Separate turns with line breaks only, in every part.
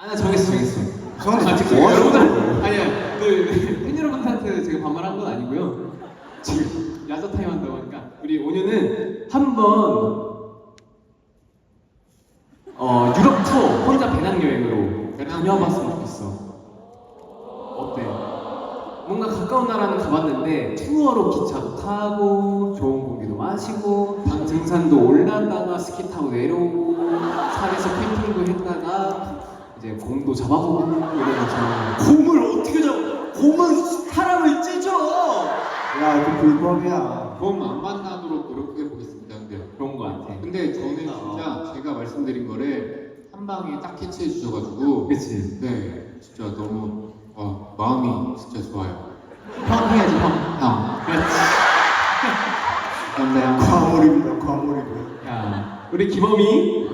나 정했어.
저는
지금
뭐 하시는
여러분들
거예요?
아니야 팬 여러분한테 제가 반말한 건 아니고요. 지금 야자 타임 한다고 하니까 우리 온유는 한번 유럽 투어 혼자 배낭여행으로 다녀봤으면 좋겠어. 어때? 뭔가 가까운 나라는 가봤는데 투어로 기차도 타고 좋은 공기도 마시고 등산도 올랐다가 스키 타고 내려오고 산에서 캠핑도 했다가 이제 곰도 잡아보고 이러면서
곰을 어떻게 잡아? 곰은 사람을 찢어. 야, 그 불법이야.
곰 안 만나도록 노력해 보겠습니다. 근데
그런 거 같아.
근데 저는 진짜 제가 말씀드린 거를 한 방에 딱 캐치해 주셔가지고
그치?
네 진짜 너무 마음이 진짜 좋아요.
형 해야지 형.
형
그렇지.
감사합니다.
과몰입니다, 과몰입이요.
야, 우리 기범이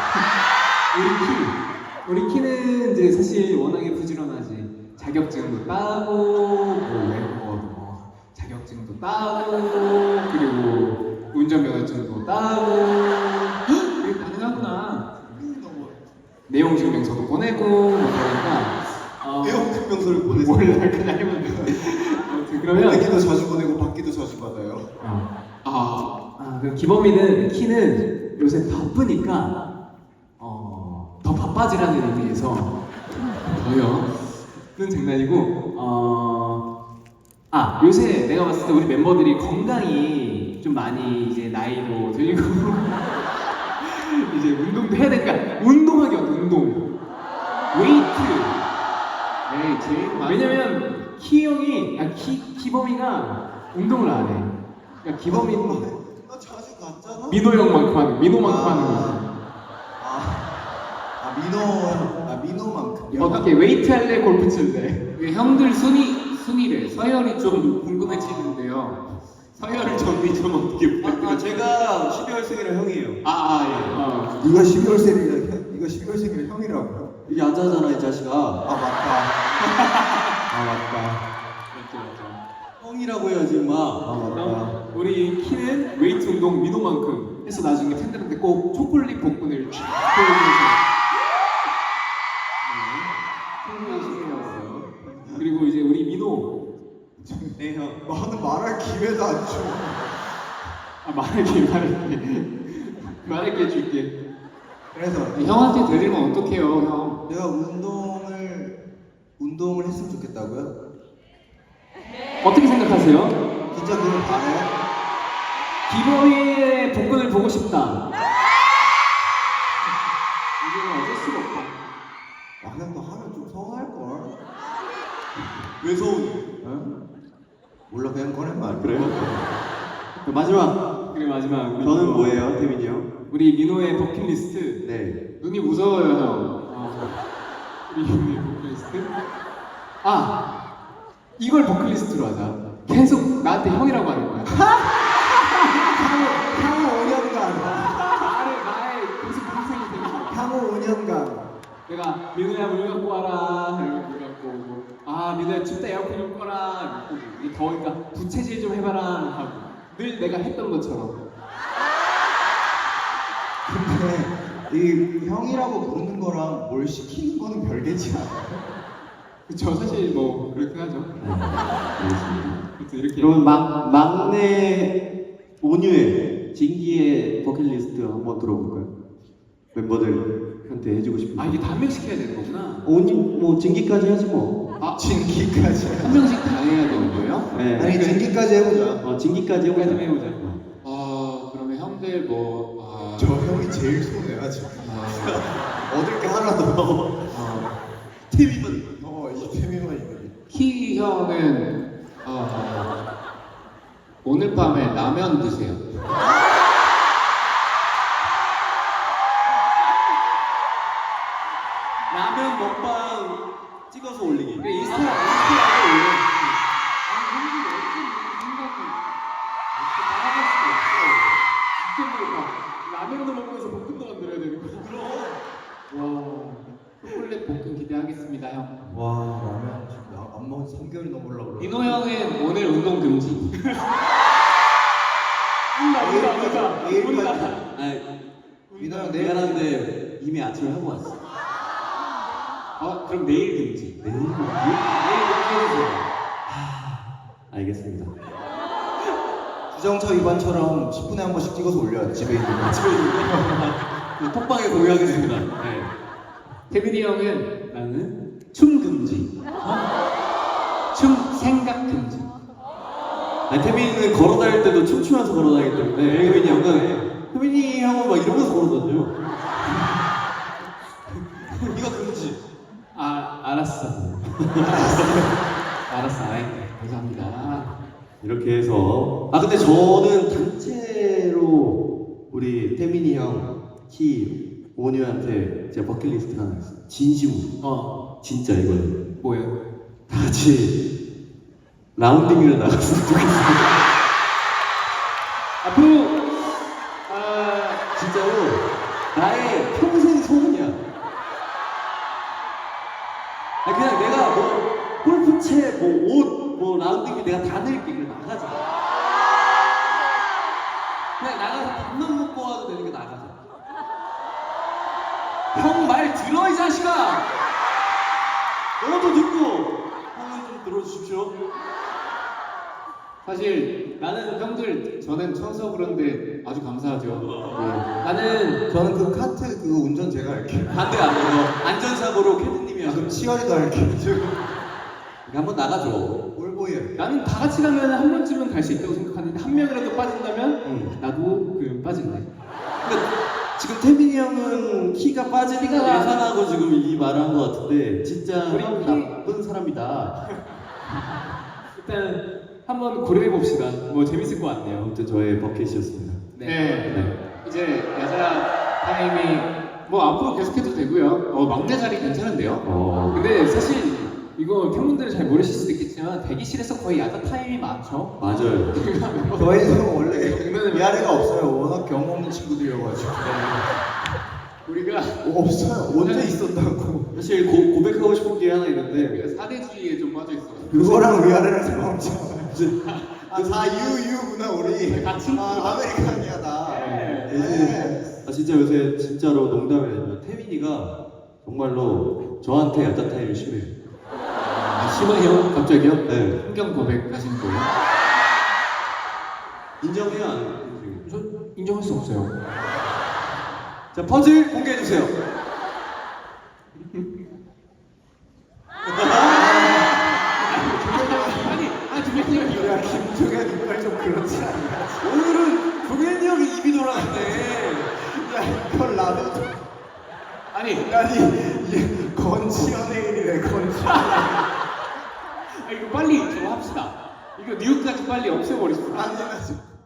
우리 키는 이제 사실 워낙에 부지런하지. 자격증도 따고 뭐 외국어도 뭐 자격증도 따고 그리고 운전면허증도 따고 이게 가능하구나. 내용 증명서도 보내고 뭐 그러니까
내용 증명서를 보내서
몰라 그냥 해보면 돼. 아무튼 그러면
보내기도 자주 보내고 받기도 자주 받아요.
그 기범이는 키는 요새 바쁘니까 더 바빠지라는 의미에서 는 장난이고 요새 내가 봤을 때 우리 멤버들이 건강이 좀 많이 이제 나이도 들고 이제 운동도 해야 되니까 운동하기 어때 운동 웨이트
네 제일 많이
왜냐면 키 형이 기범이가 운동을 안 해. 그러니까 기범이는
나 자주 갔잖아.
민호 형만큼 하는 민호만큼 하는 거지.
민호만큼.
어떻게 웨이트 할래 골프 칠래?
이게 형들 순위래. 서열이 좀 궁금해지는데요. 서열을 정리 좀 어떻게 부탁드려요?
제가 12월생이라 형이에요.
예.
네가 12월생이라 형이라고요?
여기 앉아잖아 이 자식아.
맞다.
맞죠.
형이라고 해야지 임마.
그럼 우리 키는 웨이트 운동 민호만큼 해서 나중에 팬들한테 꼭 초콜릿 복근을 쫙 보여주면서 그리고 이제 우리 민호
네 형. 나는 말할 기회도 안 줘.
말할게 해줄게.
그래서
형한테 데리면 어떡해요, 형?
내가 운동을 했으면 좋겠다고요?
어떻게 생각하세요?
진짜 그걸 바래요?
기범이의 복근을 보고 싶다. 이거는 어쩔 수가 없다.
나는 너 하면 좀 서운할 걸. 왜 서운해? 몰라 그냥 꺼낸 말.
그래요? 마지막.
그리고 마지막 우리
저는
민호.
뭐예요, 태민이 형?
우리 민호의 버킷리스트.
네.
눈이 무서워요, 형.
우리 민호의 버킷리스트. 이걸 버킷리스트로 하자. 계속 나한테 형이라고 하는 거야.
향후 5년간.
나의 계속 동생이 되는 거야.
향후 5년간.
내가 민호야 물 갖고 와라. 이러면 물 갖고 오고. 민호야 춥다 에어컨 좀 꺼라. 이러고 이게 더우니까 부채질 좀 해봐라 하고 늘 내가 했던 것처럼.
근데 이 형이라고 부르는 거랑 뭘 시키는 거는 별개지 않아.
그쵸 사실 뭐 그렇긴 하죠. 그래서 이렇게.
그러면 막내 온유의 진기의 버킷리스트 한번 들어볼까요? 멤버들한테 해주고 싶은.
이게 다 한 명씩 해야 되는 거구나.
온유 뭐 진기까지 하지 뭐.
진기까지.
한 명씩 다 해야 되는 거예요?
네.
아니 진기까지 해보자.
진기까지 해보자.
좀 해보자.
그러면 형들
저 형이 제일 손해야 지금. 얻을 게 하나도. 팀이만. 이 팀이만 있는.
키 형은 오늘 밤에 라면 드세요.
라면 먹방 찍어서 올리기.
그래 인스타에 올려.
형들이 어떤 생각이
나가갈 수도 없어. 진짜 막 라면도 먹으면서 볶음도 만들어야 되는 거야.
와 초콜릿 볶음 기대하겠습니다, 형.
와 라면 지금 나안 먹은 3개월이 넘으려고 그래.
민호 형은 오늘 운동 금지.
온다.
아니,
민호 형 내일
미안한데 이미 아침에 하고 왔어.
그럼 내일 금지.
내일
내일 금지 해주세요.
알겠습니다.
주정차 위반처럼 10분에 한 번씩 찍어서 올려요. 집에 있는 거.
집에 있는 톡방에 공유하겠습니다.
네. 태민이 형은 나는 춤 금지. 춤 생각 금지.
아니 태민이는 걸어 다닐 때도 춤추면서 걸어 다니기 때문에 태민이 형은 태민이 형은 막 이러면서 걸어 다녀요. 이거 금지.
알았어. 알았어. 아이, 감사합니다.
이렇게 해서 근데 저는 단체로 우리 태민이 형, 키, 온유한테 제가 버킷리스트 하나 있어요. 진심으로. 진짜 이거는
뭐예요?
다 같이 라운딩을 나갔으면 좋겠어요.
앞으로
진짜로 나의 평생 소원이야. 그냥 내가 뭐 골프채, 뭐 옷, 뭐 라운딩기 내가 다 낼게. 그냥 나가자. 그냥 나가서 밥만 먹고 와도 되는 게 나가자. 형 말 들어 이 자식아. 너도 듣고 형은 좀 들어주십시오.
사실 나는 형들 저는 처음 그런데 아주 감사하죠.
저는 그 카트 그거 운전 제가 할게요.
안돼 안돼. 안전사고로 캐드님이
그럼
하세요.
치어리도 할게요.
한번 나가줘.
올보이 할게요.
나는 다 같이 가면 한 번쯤은 갈 수 있다고 생각하는데 한 명이라도 빠진다면 나도 그 빠질래.
근데 지금 태민이 형은 키가 빠지니까 예상하고 지금 이 말을 한 것 같은데 진짜
우리
형
키-
나쁜 사람이다.
일단 한번 고려해 봅시다. 뭐 재밌을 것 같네요.
아무튼 저의 버킷이었습니다.
네. 이제 야자 타임이 뭐 앞으로 계속해도 되고요. 막내 자리 괜찮은데요?
근데 사실 이거 팬분들은 잘 모르실 수도 있겠지만 대기실에서 거의 야자 타임이 많죠.
맞아요.
저희는 원래 위아래가 없어요. 워낙 경험 없는 친구들이어가지고.
우리가
없어요. 언제 있었다고.
사실 고백하고 싶은 게 하나 있는데
우리가 사대주의에 좀 빠져 있어요.
그거랑 위아래랑 상관없지. 다 유구나 우리.
같이
아메리칸이야 다.
네.
진짜 요새 진짜로 농담이 아니라 태민이가 정말로 저한테 야자 타임이 심해요.
심하요? 갑자기요?
네.
환경 고백하신 거예요?
인정해요 안 해요?
저 인정할 수 없어요.
자 퍼즐 공개해 주세요.
두명이
야 김종현 이빨 좀 그렇지 않냐?
오늘은 종현이 형이 입이 돌아갔네.
야 이걸 나도 좀.
아니
아니 건치 연예인이래 건치.
이거 빨리 저거 합시다. 이거 뉴욕까지 빨리 없애버리시다.
아니 나 지금